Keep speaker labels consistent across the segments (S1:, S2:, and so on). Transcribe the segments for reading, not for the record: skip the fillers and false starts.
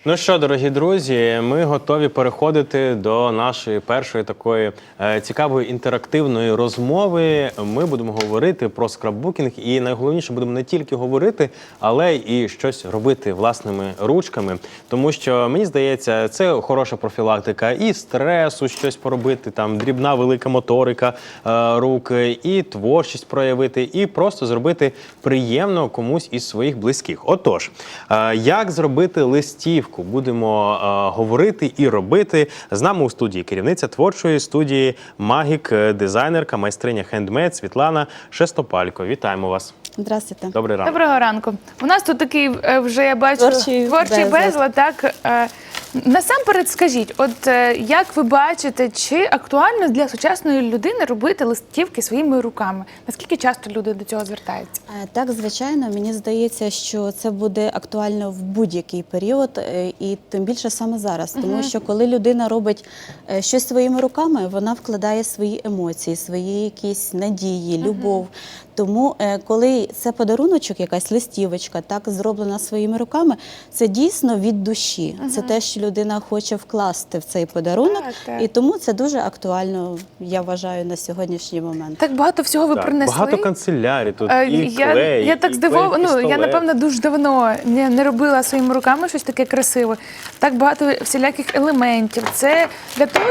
S1: Ну що, дорогі друзі, ми готові переходити до нашої першої такої цікавої інтерактивної розмови. Ми будемо говорити про скраббукінг і найголовніше будемо не тільки говорити, але і щось робити власними ручками. Тому що, мені здається, це хороша профілактика і стресу, щось поробити, там дрібна велика моторика рук, і творчість проявити, і просто зробити приємно комусь із своїх близьких. Отож, як зробити листівку? Будемо говорити і робити. З нами у студії керівниця творчої студії «Магік», дизайнерка, майстриня хендмейд Світлана Шестопалько. Вітаємо вас.
S2: Здравствуйте.
S1: Добрий ранок.
S3: Доброго ранку. У нас тут такий вже, я бачу, творчий безлад. Так. Насамперед скажіть, от як ви бачите, чи актуально для сучасної людини робити листівки своїми руками? Наскільки часто люди до цього звертаються?
S2: Так, звичайно, мені здається, що це буде актуально в будь-який період, і тим більше саме зараз. Тому що коли людина робить щось своїми руками, вона вкладає свої емоції, свої якісь надії, любов. Тому, коли це подаруночок, якась листівочка, так, зроблена своїми руками, це дійсно від душі. Це те, що людина хоче вкласти в цей подарунок, і тому це дуже актуально, я вважаю, на сьогоднішній момент.
S3: Так багато всього ви принесли.
S1: Багато канцелярій тут, і клей,
S3: я так здивована, я, напевно, дуже давно не робила своїми руками щось таке красиве. Так багато всіляких елементів. Це для того,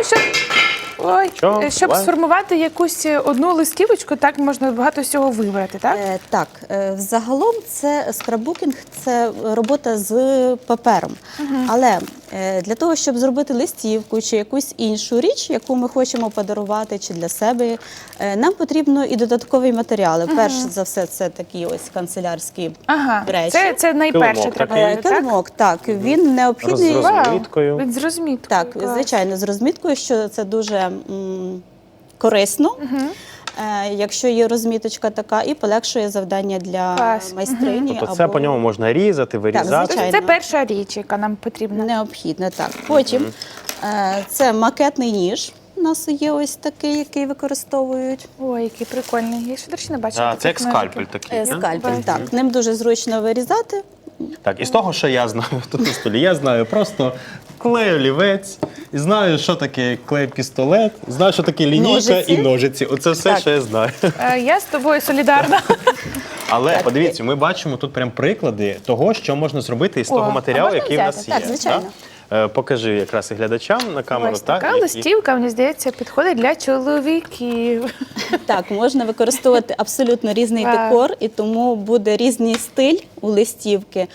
S3: щоб сформувати якусь одну листівочку, так можна багато всього вибрати, так?
S2: Так, загалом це скраббукінг, це робота з папером. Але для того, щоб зробити листівку чи якусь іншу річ, яку ми хочемо подарувати чи для себе, нам потрібно і додаткові матеріали. Перш за все, це такі ось канцелярські речі.
S3: Це найперше треба, так?
S2: Килимок, так. Він необхідний.
S1: З розміткою.
S3: Він з розміткою.
S2: Так, звичайно, з розміткою, що це дуже корисно. Якщо є розміточка така, і полегшує завдання для майстрині.
S1: Тобто це по ньому можна різати, вирізати?
S2: Так,
S3: це перша річ, яка нам потрібна.
S2: Необхідно, так. Потім це макетний ніж. У нас є ось такий, який використовують.
S3: Ой, який прикольний. Я ще, до речі, не бачила.
S1: Це як скальпель такий.
S2: Скальпель, так. Ним дуже зручно вирізати.
S1: Так, і з того, що я знаю тут на столі, я знаю просто клей-олівець, і знаю, що таке клей-пістолет, знаю, що таке лінійка і ножиці. Оце все, що я знаю.
S3: Я з тобою солідарна.
S1: Але подивіться, ми бачимо тут прям приклади того, що можна зробити із того матеріалу, який в нас є.
S2: Так, звичайно.
S1: Покажи якраз і глядачам на камеру.
S3: Ось така листівка, мені здається, підходить для чоловіків.
S2: Так, можна використовувати абсолютно різний декор, і тому буде різний стиль у листівки.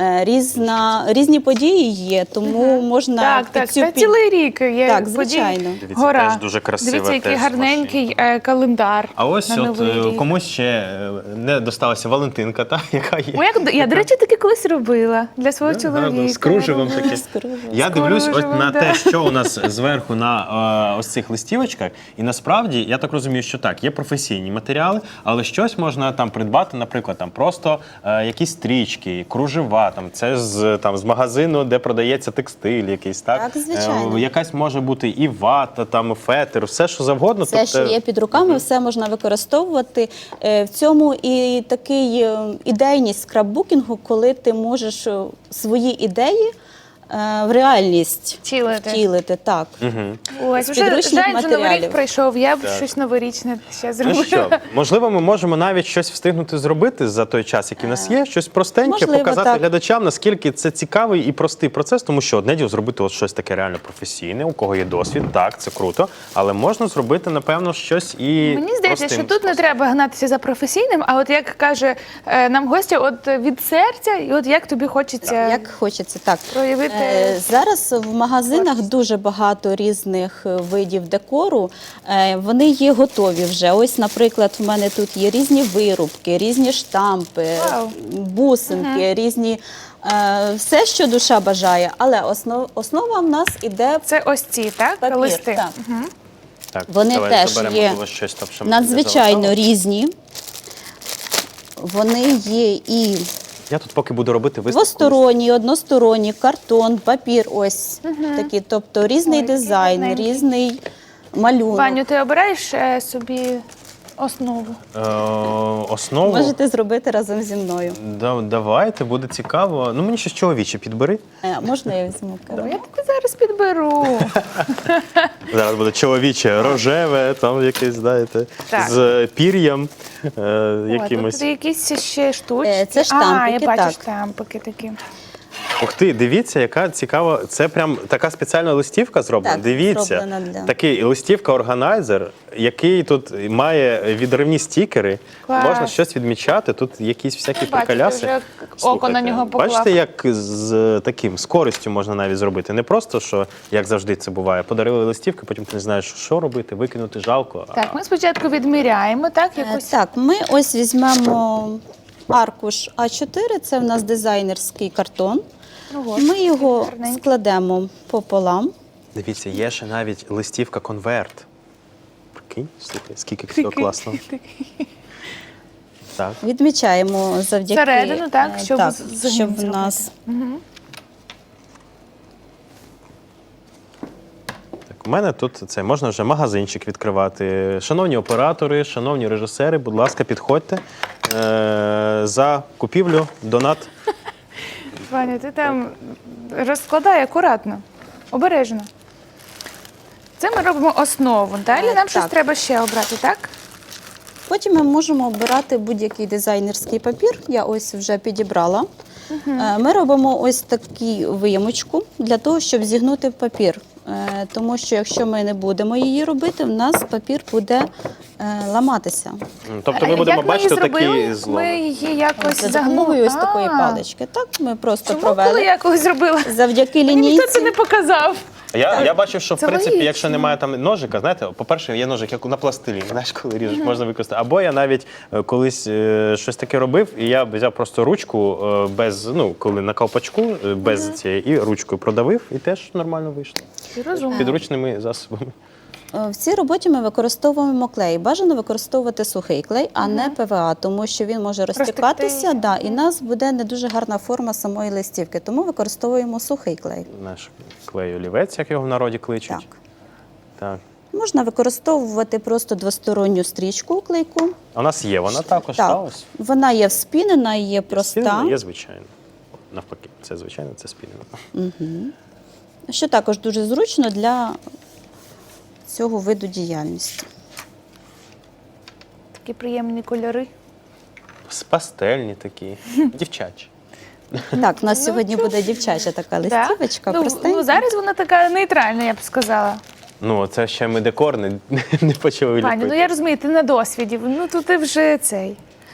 S2: Різні події є, тому можна
S3: Так, це цілий рік є.
S2: Так, звичайно.
S1: Дивіться, теж дуже красиво.
S3: Дивіться, який гарненький календар.
S1: А ось от комусь ще не досталася Валентинка, та, яка є.
S3: Я, до речі, таки колись робила для свого чоловіка.
S1: З кружевом таке. Я дивлюсь от на те, що у нас зверху на ось цих листівочках, і насправді, я так розумію, що так, є професійні матеріали, але щось можна там придбати, наприклад, там просто якісь стрічки, кружева, там, це з магазину, де продається текстиль якийсь, так?
S2: Так, звичайно.
S1: Якась може бути і вата, там, фетр, все, що завгодно.
S2: Все, що є під руками, все можна використовувати. В цьому і такий ідейність скраббукінгу, коли ти можеш свої ідеї в реальність втілити. Так.
S3: Ось, вже жаль, Новий рік пройшов, я б щось новорічне ще зробила.
S1: Ну що, можливо, ми можемо навіть щось встигнути зробити за той час, який в нас є, щось простеньке, показати глядачам, наскільки це цікавий і простий процес, тому що одне діло зробити от щось таке реально професійне, у кого є досвід, так, це круто, але можна зробити, напевно, щось і
S3: мені здається, що тут не треба гнатися за професійним, а от як каже нам гостя, от від серця, і от як тобі хочеться.
S2: Як хочеться, так.
S3: Проявити.
S2: Зараз в магазинах дуже багато різних видів декору. Вони є готові вже. Ось, наприклад, в мене тут є різні вирубки, різні штампи, бусинки, різні. Все, що душа бажає, але основа в нас іде
S3: це ось ці, так?
S2: Папір,
S3: листи.
S1: Так,
S2: вони теж є надзвичайно різні. Вони є і
S1: я тут поки буду робити виставку.
S2: Двосторонні, односторонні, картон, папір, ось такі. Тобто різний дизайн, різний малюнок.
S3: Ваню, ти обираєш собі основу.
S1: Основу.
S2: Можете зробити разом зі мною.
S1: Давайте, буде цікаво. Ну, мені щось чоловіче підбери.
S2: Можна я візьму керу?
S3: Я тобі зараз підберу.
S1: Зараз буде чоловіче, рожеве, там якесь, знаєте,
S3: Так.
S1: з пір'ям
S3: О,
S1: якимось.
S3: тут якісь ще штучки.
S2: Це штампики,
S3: я бачу
S2: так.
S3: штампики такі.
S1: Ух ти, дивіться, яка цікава. Це прям така спеціальна листівка зроблена.
S2: Так,
S1: Дивіться,
S2: зроблена для-
S1: такий листівка-органайзер, який тут має відривні стікери.
S3: Клас.
S1: Можна щось відмічати. Тут якісь всякі
S3: Бачите,
S1: приколяси.
S3: вже око на нього поклав.
S1: Бачите, як з користю можна навіть зробити. Не просто, що, як завжди це буває, подарили листівки, потім ти не знаєш, що робити, викинути жалко.
S3: Так, ми спочатку відміряємо, так? Якось.
S2: Так, ми ось візьмемо аркуш А4, це в нас дизайнерський картон.
S3: Ну, от,
S2: Ми його
S3: гарненький.
S2: складемо пополам.
S1: Дивіться, є ще навіть листівка-конверт. Прикинь, слухай, скільки всього класного. Так.
S2: Відмічаємо завдяки
S3: Всередину, так, щоб
S2: так,
S3: згин
S2: щоб в
S3: зробити.
S2: нас
S1: Так, у мене тут це можна вже магазинчик відкривати. Шановні оператори, шановні режисери, будь ласка, підходьте. За купівлю, донат.
S3: Ваня, ти там розкладай акуратно, обережно. Це ми робимо основу. Далі нам щось
S2: так.
S3: треба ще обрати, так?
S2: Потім ми можемо обирати будь-який дизайнерський папір. Я ось вже підібрала. Ми робимо ось таку виємочку для того, щоб зігнути папір. Тому що якщо ми не будемо її робити, в нас папір буде ламатися.
S1: Тобто ми будемо
S3: Як
S1: бачити
S3: ми її
S1: такі
S3: зробили?
S1: зломи.
S3: Ми її якось
S2: За
S3: загнули.
S2: допомогою ось такої
S3: А,
S2: палички. Так, ми просто
S3: Чому, коли
S2: провели.
S3: я колись зробила?
S2: Завдяки
S3: Мені ніхто це
S2: лінійці.
S3: не показав.
S1: Я бачив, що в
S3: Це
S1: принципі,
S3: логічно.
S1: якщо немає там ножика, знаєте, по-перше, є ножик, як на пластилі, знаєш, коли ріжеш, можна використати. Або я навіть колись щось таке робив, і я взяв просто ручку без, ну, коли на ковпачку, без цієї, і ручкою продавив, і теж нормально вийшло.
S3: Ти розумний.
S1: Підручними засобами.
S2: В цій роботі ми використовуємо клей. Бажано використовувати сухий клей, а не ПВА, тому що він може розтікатися, да, і в нас буде не дуже гарна форма самої листівки. Тому використовуємо сухий клей.
S1: Наш клей-олівець, як його в народі кличуть.
S2: Так.
S1: Так.
S2: Можна використовувати просто двосторонню стрічку у клейку.
S1: А у нас є вона також, та
S2: Так,
S1: ось.
S2: вона є вспінена, є проста,
S1: Спінена, є звичайно. Навпаки, це звичайно, це спінено.
S2: що також дуже зручно для цього виду діяльності.
S3: Такі приємні кольори.
S1: Пастельні такі, дівчачі.
S2: Так, у нас сьогодні буде дівчача така листівочка,
S3: Ну,
S2: простенька.
S3: зараз вона така нейтральна, я б сказала.
S1: Ну, це ще ми декор не почали ліпити.
S3: Пані, ну я розумію, ти на досвіді. Ну тут ти вже цей.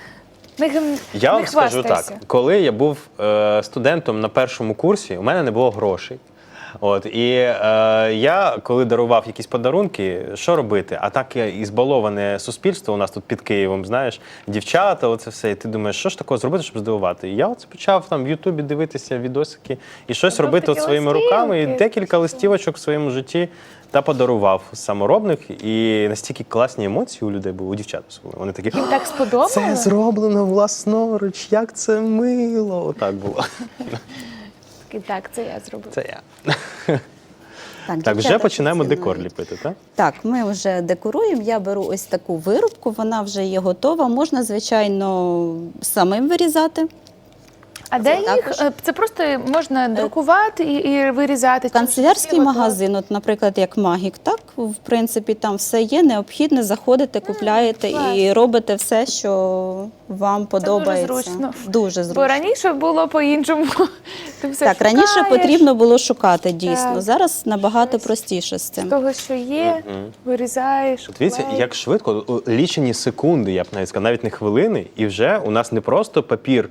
S1: Я
S3: не
S1: вам скажу
S3: хвастайся.
S1: так, коли я був студентом на першому курсі, у мене не було грошей. От, і я, коли дарував якісь подарунки, що робити? А так і збаловане суспільство у нас тут під Києвом, знаєш, дівчата, оце все. І ти думаєш, що ж такого зробити, щоб здивувати? І я оце почав там в Ютубі дивитися відосики і щось
S3: Робив
S1: робити
S3: такі
S1: от своїми руками. І
S3: листівки.
S1: декілька листівочок в своєму житті та подарував саморобних. І настільки класні емоції у людей були, у дівчат особливо. Вони такі,
S3: Їм так сподобалось?
S1: це зроблено власноруч, як це мило. Отак було.
S3: Так, це я зробила.
S1: Це я. Так,
S2: дівчата
S1: вже починаємо
S2: поцінують.
S1: декор ліпити, так?
S2: Так, ми вже декоруємо. Я беру ось таку вирубку, вона вже є готова. Можна, звичайно, самим вирізати.
S3: А де
S2: Це
S3: їх?
S2: також.
S3: Це просто можна друкувати і вирізати?
S2: Канцелярський магазин, от, наприклад, як Магік, так, в принципі, там все є, необхідне, заходите, купляєте
S3: клас.
S2: і робите все, що вам подобається.
S3: зручно.
S2: Дуже
S3: Бо
S2: зручно.
S3: раніше було по-іншому. Ти все
S2: Так, раніше
S3: шукаєш.
S2: потрібно було шукати, дійсно.
S3: Так.
S2: Зараз набагато простіше з
S3: З
S2: цим.
S3: того, що є, вирізаєш.
S1: Дивіться,
S3: клеїш.
S1: як швидко, лічені секунди, я б навіть сказав, навіть не хвилини, і вже у нас не просто папір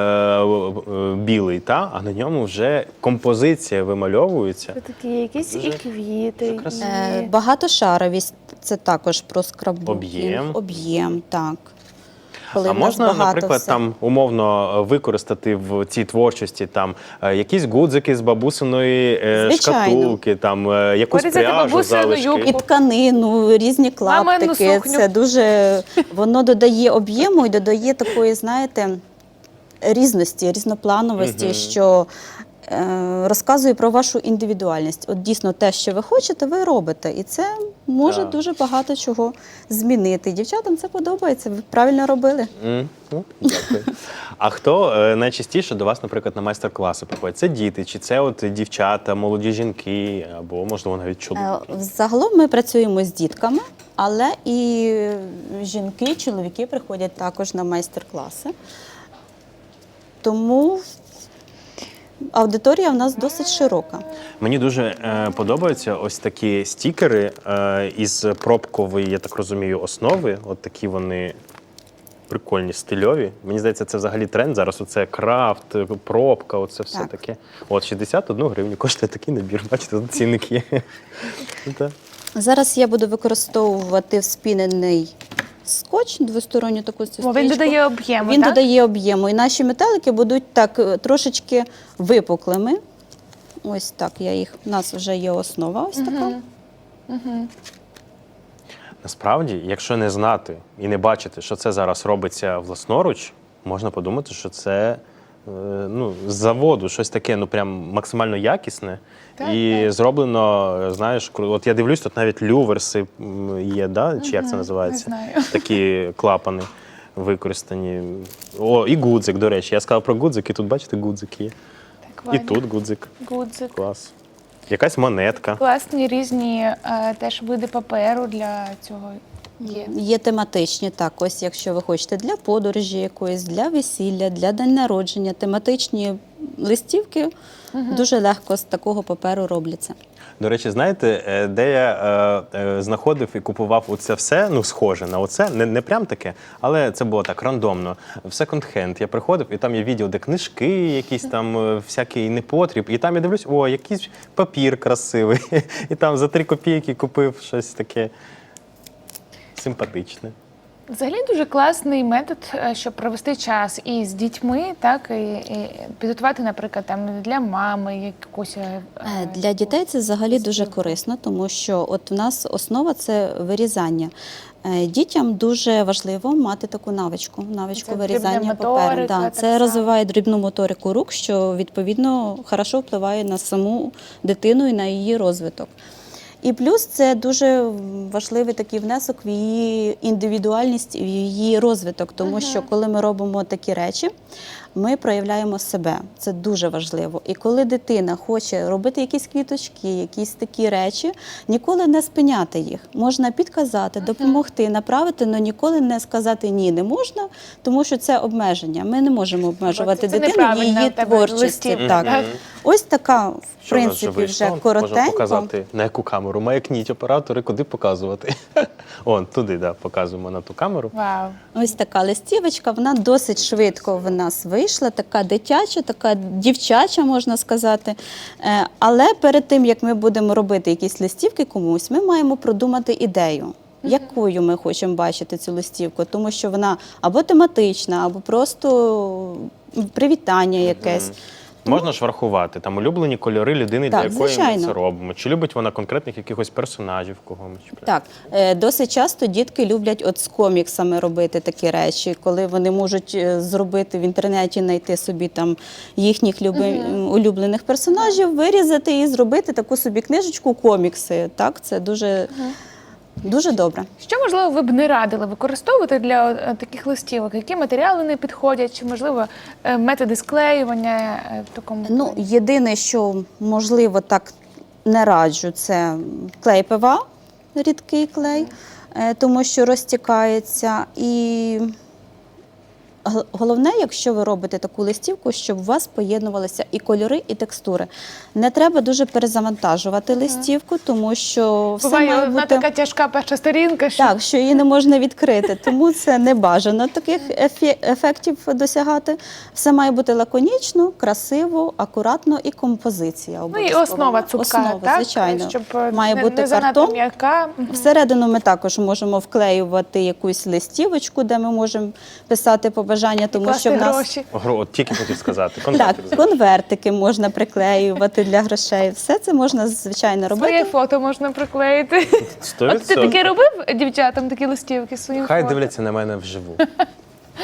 S1: білий, а на ньому вже композиція вимальовується.
S3: Це такі якісь
S1: Дуже-
S3: і квіти, і...
S1: красиво.
S2: Багатошаровість – це також про скраббукінг.
S1: Об'єм.
S2: Об'єм, так. Коли
S1: А
S2: в нас
S1: можна,
S2: багато
S1: наприклад,
S2: все.
S1: там умовно використати в цій творчості там якісь гудзики з бабусиної
S2: Звичайно.
S1: шкатулки, там якусь
S3: Порізати
S1: пряжу,
S3: бабусину
S1: залишки.
S3: юбку.
S2: І тканину, різні
S3: Мамину
S2: клаптики.
S3: сукню.
S2: Це дуже воно додає об'єму і додає такої, знаєте, різності, різноплановості, що розказує про вашу індивідуальність. От дійсно те, що ви хочете, ви робите. І це може
S1: Так.
S2: дуже багато чого змінити. Дівчатам це подобається, ви правильно робили.
S1: Дякую. А хто найчастіше до вас, наприклад, на майстер-класи приходить? Це діти, чи це от дівчата, молоді жінки, або, можливо, навіть чоловіки?
S2: Загалом ми працюємо з дітками, але і жінки, чоловіки приходять також на майстер-класи. Тому аудиторія в нас досить широка.
S1: Мені дуже подобаються ось такі стікери із пробкової, я так розумію, основи. От такі вони прикольні, стильові. Мені здається, це взагалі тренд зараз. Оце крафт, пробка, оце все
S2: Так.
S1: таке. От 61 гривню коштує такий набір. Бачите, тут цінник є. Так.
S2: Зараз я буду використовувати вспінений скотч, двосторонню таку стрічку.
S3: Він додає об'єму,
S2: Він
S3: так?
S2: додає об'єму. І наші метелики будуть так трошечки випуклими. Ось так я їх. У нас вже є основа ось така.
S1: Насправді, якщо не знати і не бачити, що це зараз робиться власноруч, можна подумати, що це з заводу щось таке, прям максимально якісне.
S3: Так,
S1: І
S3: так.
S1: зроблено, знаєш, от я дивлюсь, тут навіть люверси є, да? Чи як це називається?
S3: не знаю.
S1: Такі клапани використані. О, і гудзик, до речі. Я сказав про гудзик, і тут, бачите, гудзик є.
S3: Так,
S1: І
S3: Ваня.
S1: тут гудзик.
S3: Гудзик.
S1: Клас. Якась монетка.
S3: Класні різні теж види паперу для цього є.
S2: Є тематичні, так, ось якщо ви хочете для подорожі якоїсь, для весілля, для день народження, тематичні листівки дуже легко з такого паперу робляться.
S1: До речі, знаєте, де я знаходив і купував оце все, схоже на оце, не прям таке, але це було так рандомно. В секонд-хенд я приходив, і там є відділ, де книжки, якісь там всякий непотріб, і там я дивлюсь, о, якийсь папір красивий, і там за 3 копійки купив щось таке симпатичне.
S3: Взагалі дуже класний метод, щоб провести час і з дітьми, так, і підготувати, наприклад, там для мами якусь.
S2: Для дітей це взагалі дуже корисно, тому що от у нас основа – це вирізання. Дітям дуже важливо мати таку навичку
S3: Це
S2: вирізання
S3: дрібна
S2: паперу.
S3: моторика,
S2: Да,
S3: так
S2: це
S3: само.
S2: розвиває дрібну моторику рук, що відповідно хорошо впливає на саму дитину і на її розвиток. І плюс це дуже важливий такий внесок в її індивідуальність, в її розвиток, тому що коли ми робимо такі речі, ми проявляємо себе. Це дуже важливо. І коли дитина хоче робити якісь квіточки, якісь такі речі, ніколи не спиняти їх. Можна підказати, допомогти, направити, але ніколи не сказати «ні, не можна», тому що це обмеження. Ми не можемо обмежувати
S3: Це
S2: дитину в
S3: неправильно
S2: її
S3: в тебе
S2: творчості.
S3: листівка.
S2: Так.
S3: Мгм.
S2: Ось така, в
S1: Що в нас
S2: принципі,
S1: вийшло?
S2: вже
S1: Можна
S2: коротенько.
S1: показати, на яку камеру. Маякніть оператори, куди показувати. Туди, да, показуємо на ту камеру.
S3: Вау.
S2: Ось така листівочка, вона досить швидко в нас вийшла, така дитяча, така дівчача, можна сказати. Але перед тим, як ми будемо робити якісь листівки комусь, ми маємо продумати ідею. Якою ми хочемо бачити цю листівку, тому що вона або тематична, або просто привітання якесь.
S1: Можна ж врахувати там улюблені кольори людини,
S2: Так,
S1: для якої ми
S2: звичайно.
S1: це робимо. Чи любить вона конкретних якихось персонажів когось?
S2: Так, досить часто дітки люблять от з коміксами робити такі речі, коли вони можуть зробити в інтернеті, знайти собі там їхніх улюблених персонажів, вирізати і зробити таку собі книжечку комікси. Так, це дуже, дуже добре.
S3: Що, можливо, ви б не радили використовувати для таких листівок? Які матеріали не підходять? Чи, можливо, методи склеювання в такому?
S2: Ну, єдине, що можливо так не раджу, це клей ПВА, рідкий клей, тому що розтікається. І головне, якщо ви робите таку листівку, щоб у вас поєднувалися і кольори, і текстури. Не треба дуже перезавантажувати листівку, тому що все
S3: Буває,
S2: має
S3: вона
S2: бути...
S3: така тяжка перша сторінка, що
S2: Так, що її не можна відкрити, тому це не бажано таких ефектів досягати. Все має бути лаконічно, красиво, акуратно і композиція
S3: ну і
S2: обов'язково.
S3: основа цупка,
S2: Основа,
S3: так?
S2: звичайно.
S3: Щоб
S2: Має бути
S3: не занадто
S2: картон.
S3: м'яка.
S2: Всередину ми також можемо вклеювати якусь листівочку, де ми можемо писати побажання, тому
S3: Класти
S2: що в нас
S3: гроші.
S1: От тільки хотів сказати.
S2: так,
S1: Контактик.
S2: конвертики можна приклеювати для грошей. Все це можна звичайно робити.
S3: Своє фото можна приклеїти.
S1: 100%.
S3: От ти таке робив дівчатам, такі листівки своїм
S1: Хай
S3: фото?
S1: дивляться на мене вживу.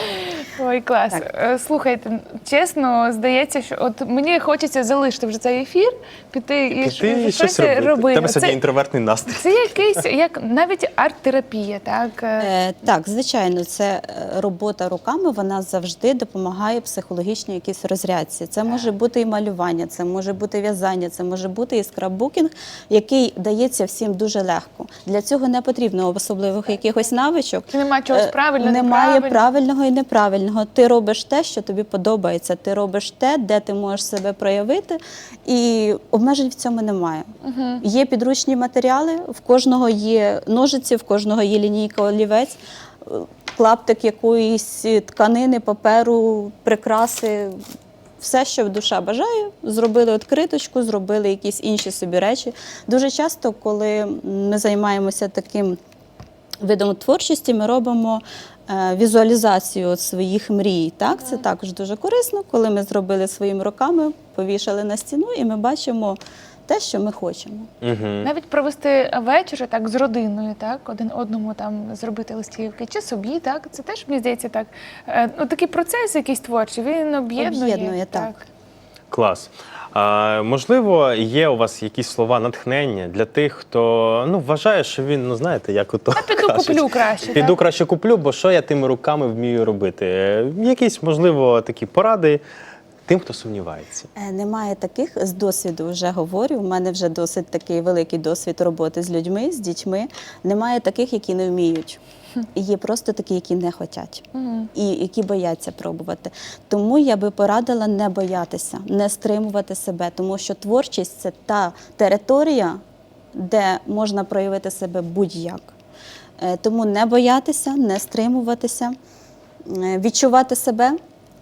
S3: Ой, клас. Слухайте, чесно, здається, що от мені хочеться залишити вже цей ефір, піти і щось робити.
S1: У тебе сьогодні інтровертний настрій.
S3: Це якийсь, як навіть арт-терапія, так?
S2: Так, звичайно, це робота руками, вона завжди допомагає психологічній якійсь розрядці. Це може бути і малювання, це може бути в'язання, це може бути і скраббукінг, який дається всім дуже легко. Для цього не потрібно особливих якихось навичок.
S3: Немає чогось правильного,
S2: Немає правильного і неправильного. Ти робиш те, що тобі подобається. Ти робиш те, де ти можеш себе проявити, і обмежень в цьому немає. Є підручні матеріали, в кожного є ножиці, в кожного є лінійка, олівець, клаптик якоїсь тканини, паперу, прикраси. Все, що душа бажає, зробили відкриточку, зробили якісь інші собі речі. Дуже часто, коли ми займаємося таким видом творчості, ми робимо візуалізацію своїх мрій. Так? Це також дуже корисно, коли ми зробили своїми руками, повішали на стіну, і ми бачимо те, що ми хочемо.
S3: Навіть провести вечір так з родиною, так, один одному там зробити листівки, чи собі, так, це теж, мені здається, так. Такий процес якийсь творчий, він об'єднує.
S2: Так.
S1: Клас. Можливо, є у вас якісь слова натхнення для тих, хто вважає, що він, знаєте, як ото
S3: піду
S1: кажуть,
S3: куплю краще.
S1: Піду
S3: так?
S1: краще куплю, бо що я тими руками вмію робити? Якісь, можливо, такі поради тим, хто сумнівається.
S2: Немає таких, з досвіду вже говорю, у мене вже досить такий великий досвід роботи з людьми, з дітьми. Немає таких, які не вміють. Є просто такі, які не хочуть і які бояться пробувати. Тому я би порадила не боятися, не стримувати себе, тому що творчість – це та територія, де можна проявити себе будь-як. Тому не боятися, не стримуватися, відчувати себе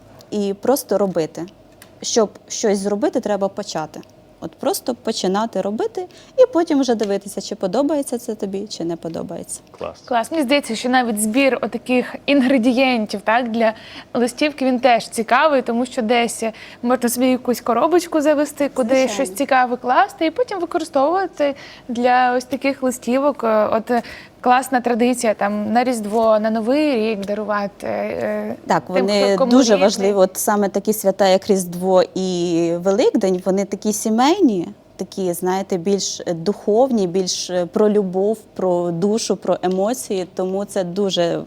S2: і просто робити. Щоб щось зробити, треба почати. От просто починати робити і потім вже дивитися, чи подобається це тобі, чи не подобається.
S1: Клас.
S3: Клас. Мені здається, що навіть збір отаких інгредієнтів, так, для листівки, він теж цікавий, тому що десь можна собі якусь коробочку завести, куди
S2: Звичайно.
S3: щось цікаве класти, і потім використовувати для ось таких листівок. От класна традиція там на Різдво, на Новий рік дарувати.
S2: Так,
S3: тим,
S2: вони
S3: кому
S2: дуже
S3: рідний.
S2: важливі. От саме такі свята, як Різдво і Великдень, вони такі сімейні, такі, знаєте, більш духовні, більш про любов, про душу, про емоції. Тому це дуже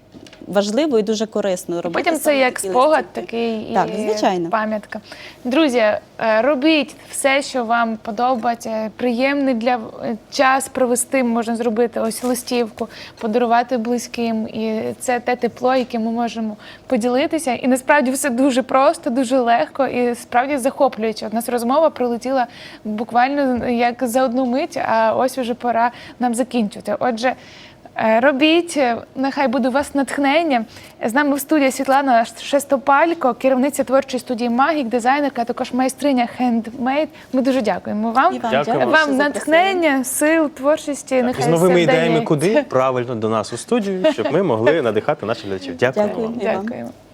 S2: важливо і дуже корисно робити.
S3: Потім це
S2: саме
S3: як
S2: такі
S3: спогад
S2: листівки.
S3: такий
S2: Так,
S3: і
S2: звичайно.
S3: пам'ятка. Друзі, робіть все, що вам подобається. Приємний для час провести можна зробити ось листівку, подарувати близьким. І це те тепло, яким ми можемо поділитися. І насправді все дуже просто, дуже легко і справді захоплююче. От у нас розмова пролетіла буквально як за одну мить, а ось уже пора нам закінчувати. Отже, робіть, нехай буде у вас натхнення. З нами в студії Світлана Шестопалько, керівниця творчої студії «Магік», дизайнерка, а також майстриня «Хендмейд». Ми дуже дякуємо вам.
S2: І вам
S1: Дякую.
S2: дякую,
S3: Вам
S2: що
S3: натхнення, сил, творчості. Нехай
S1: З новими
S3: все
S1: ідеями
S3: вдається.
S1: куди? Правильно, до нас у студію, щоб ми могли надихати наших глядачів. Дякую.
S2: Дякую.
S1: вам.
S3: Дякуємо.